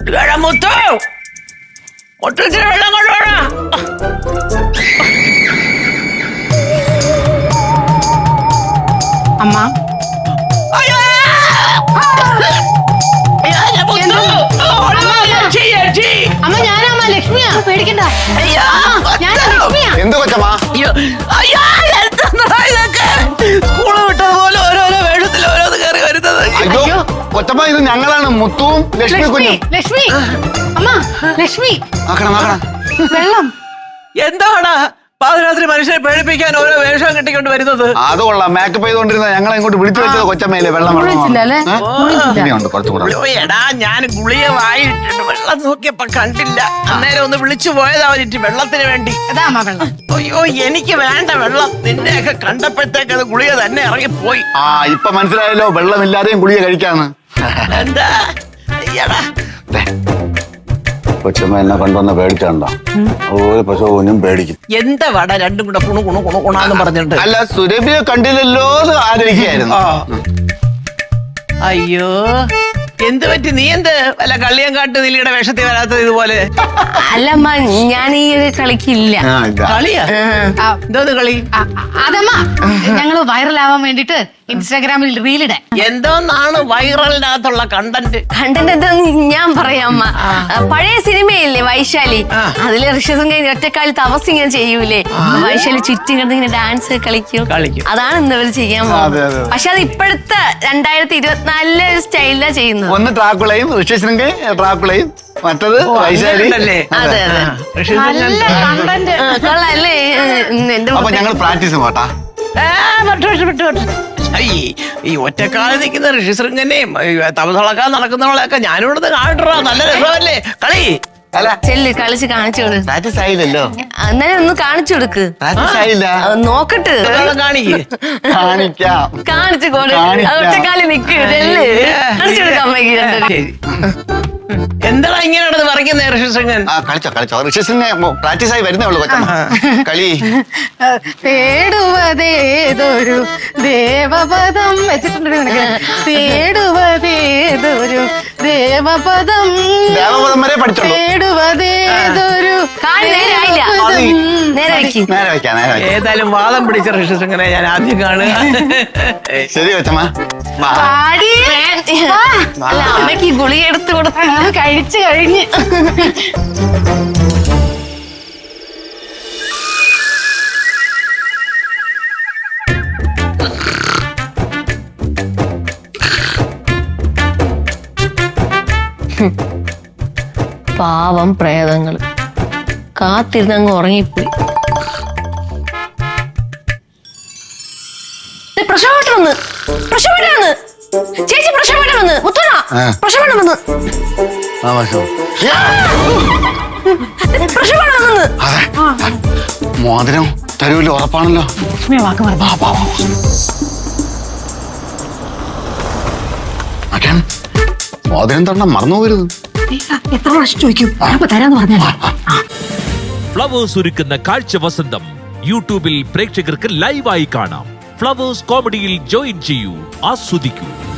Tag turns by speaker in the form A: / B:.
A: മുത്തു മുത്തത്തിന് വെള്ളം കൊണ്ടുപോടാ.
B: അമ്മ അമ്മ ഞാനമ്മ ലക്ഷ്മിയാ, പേടിക്കണ്ട. ഞാൻ ലക്ഷ്മിയാ.
C: എന്ത് കൊച്ചമ്മ?
A: സ്കൂള് വിട്ടതുപോലെ ഓരോരോ വേഷത്തിൽ ഓരോന്ന് കയറി വരുന്നത്.
C: അയ്യോ കൊച്ചമ്മ, ഇത് ഞങ്ങളാണ് മുത്തുവും ലക്ഷ്മി കുഞ്ഞും.
B: ലക്ഷ്മി അമ്മ, ലക്ഷ്മി
C: നോക്കണം നോക്കണം.
B: വെള്ളം.
A: എന്താണ് പാതിരാത്രി മനുഷ്യരെ പേടിപ്പിക്കാൻ ഓരോ വേഷം കെട്ടിക്കൊണ്ട് വരുന്നത്?
C: അത് കൊള്ളാം. മേക്കപ്പ് ചെയ്തോണ്ടിരുന്ന ഞങ്ങളെ ഇങ്ങോട്ട് വിളിച്ചു വെച്ചത് കൊച്ചമ്മയിലെ വെള്ളം ഇനിയുണ്ട് കുറച്ചുകൂടെ.
A: എടാ ഞാൻ ഗുളിക വായിട്ടുണ്ട്, വെള്ളം നോക്കിയപ്പോ കണ്ടില്ല. അന്നേരം ഒന്ന് വിളിച്ചു പോയതാ അവരിട്ട് വെള്ളത്തിന് വേണ്ടി.
B: അതാ വെള്ളം.
A: അയ്യോ എനിക്ക് വേണ്ട വെള്ളം. നിന്നെയൊക്കെ കണ്ടപ്പോഴത്തേക്ക് അത് ഗുളിക തന്നെ ഇറങ്ങിപ്പോയി.
C: ഇപ്പൊ മനസ്സിലായല്ലോ വെള്ളമില്ലാതെയും ഗുളിക കഴിക്കാന്ന്.
A: എന്താ അയ്യടാ
C: കൊച്ചമ്മ എന്നെ കൊണ്ടുവന്ന പേടിച്ചാണ്ടോ? ഒരു പശുവിനും പേടിക്കും.
A: എന്താ വട രണ്ടും കൂടെ കുണു കുണു കുണു കുണാന്ന് പറഞ്ഞിട്ട്.
C: അല്ല, സുരഭിയെ കണ്ടില്ലല്ലോ എന്ന് ആലോചിക്കായിരുന്നു.
A: അയ്യോ എന്ത് പറ്റി? നീ എന്ത് വല്ല കള്ളിയങ്കാട്ട് നീലിയുടെ വേഷത്തിൽ വരാത്തത് ഇതുപോലെ?
D: അല്ലമ്മ, ഞാൻ ഈ ഒരു കളിക്കില്ല.
A: കളിയാ? എന്തോന്ന് കളി?
B: അതമ്മ ഞങ്ങള് വൈറലാവാൻ വേണ്ടിട്ട് ഇൻസ്റ്റാഗ്രാമിൽ റീലിടാൻ.
A: എന്തോന്നാണ് വൈറലിനകത്തുള്ള കണ്ടന്റ്?
D: കണ്ടന്റ് എന്താന്ന് ഞാൻ പറയാം അമ്മ. പഴയ സിനിമയില്ലേ വൈശാലി, അതില് ഋഷസും കഴിഞ്ഞ് ഒറ്റക്കാലി തപസ് ഇങ്ങനെ ചെയ്യൂലേ, വൈശാലി ചുറ്റി കിടന്ന് ഇങ്ങനെ ഡാൻസ് കളിക്കും. അതാണ് ഇന്നവര് ചെയ്യാൻ പോകുന്നത്. പക്ഷെ അത് ഇപ്പോഴത്തെ 2024 സ്റ്റൈലിലാ ചെയ്യുന്നത്.
C: ഒന്ന് ട്രാക്കുളയും ഋഷ്യശൃംഗയും ട്രാക്കുളയും, മറ്റത് വൈശാലി.
D: അതെ അതെ,
B: നല്ല കണ്ടന്റ്.
D: കൊള്ളാല്ലേ? എന്റെ
C: അപ്പൊ ഞങ്ങൾ പ്രാക്ടീസ് പോട്ടാ.
A: ഈ ഒറ്റക്കാലം നിൽക്കുന്ന ഋഷിശൃംഗനെയും തപസളക്കാൻ നടക്കുന്നവളെയൊക്കെ ഞാനിവിടുന്ന് കാണട്ടോ. നല്ല രസമല്ലേ കളി?
D: ചെല്ല് കളിച്ച് കാണിച്ചു കൊടു.
C: പ്രാക്ടീസ് ആയില്ലല്ലോ.
D: എന്നാലും ഒന്ന് കാണിച്ചു കൊടുക്ക്.
C: പ്രാക്ടീസ് ആയില്ല.
D: നോക്കട്ട്
C: കാണിക്കാം.
D: കാണിച്ചു കൊടു. ഒറ്റക്കാലി നിക്ക്. ചെല്ല് കാണിച്ചു കൊടുക്കാം അമ്മയ്ക്ക്.
A: എന്താ ഇങ്ങനെ നടന്ന് പറയുന്നേ ഋഷിശൃംഗൻ?
C: കളിച്ചോ കളിച്ചോ. ഋഷ്യശൃംഗൻ പ്രാക്ടീസ് ആയി വരുന്നേ ഉള്ളൂ കൊച്ചമ്മ. കളി
B: തേടുവതേതൊരു ദേവപദം വെച്ചിട്ടുണ്ട് നിനക്ക്. തേടുവതേതൊരു ദേവപദം,
C: ദേവപദം വരെ പഠിച്ചോളൂ.
D: തേടുവതേതൊരു നേരെ വെക്കാം.
A: ഏതായാലും വാദം പിടിച്ച ഋഷിശൃംഗനെ ഞാൻ ആദ്യം കാണുക.
C: ശരി കൊച്ചമ്മ.
D: അല്ല, അമ്മയ്ക്ക് ഗുളിക എടുത്ത് കൊടുത്ത
B: കഴിച്ചു കഴിഞ്ഞ്.
D: പാവം പ്രേതങ്ങള് കാത്തിരുന്നങ്ങ് ഉറങ്ങിപ്പോയി. പ്രസവട്ടം വന്ന്, പ്രസവട്ടം വന്ന്, ചേച്ചി പ്രസവട്ടം വന്ന്, മുത്തണ പ്രസവട്ടം വന്ന്, പ്രസവട്ടം വന്ന്.
C: മോതിരം തരൂല്ലോ, ഉറപ്പാണല്ലോ. മോതിരം തൊണ്ട മറന്നു പോകരുത്.
B: എത്ര പ്രാവശ്യം ചോദിക്കും, തരാന്ന് പറഞ്ഞാ.
E: ഫ്ലവേഴ്സ് ഒരുക്കുന്ന കാഴ്ച വസന്തം യൂട്യൂബിൽ പ്രേക്ഷകർക്ക് ലൈവായി കാണാം. ഫ്ലവേഴ്സ് കോമഡിയിൽ ജോയിൻ ചെയ്യൂ, ആസ്വദിക്കൂ.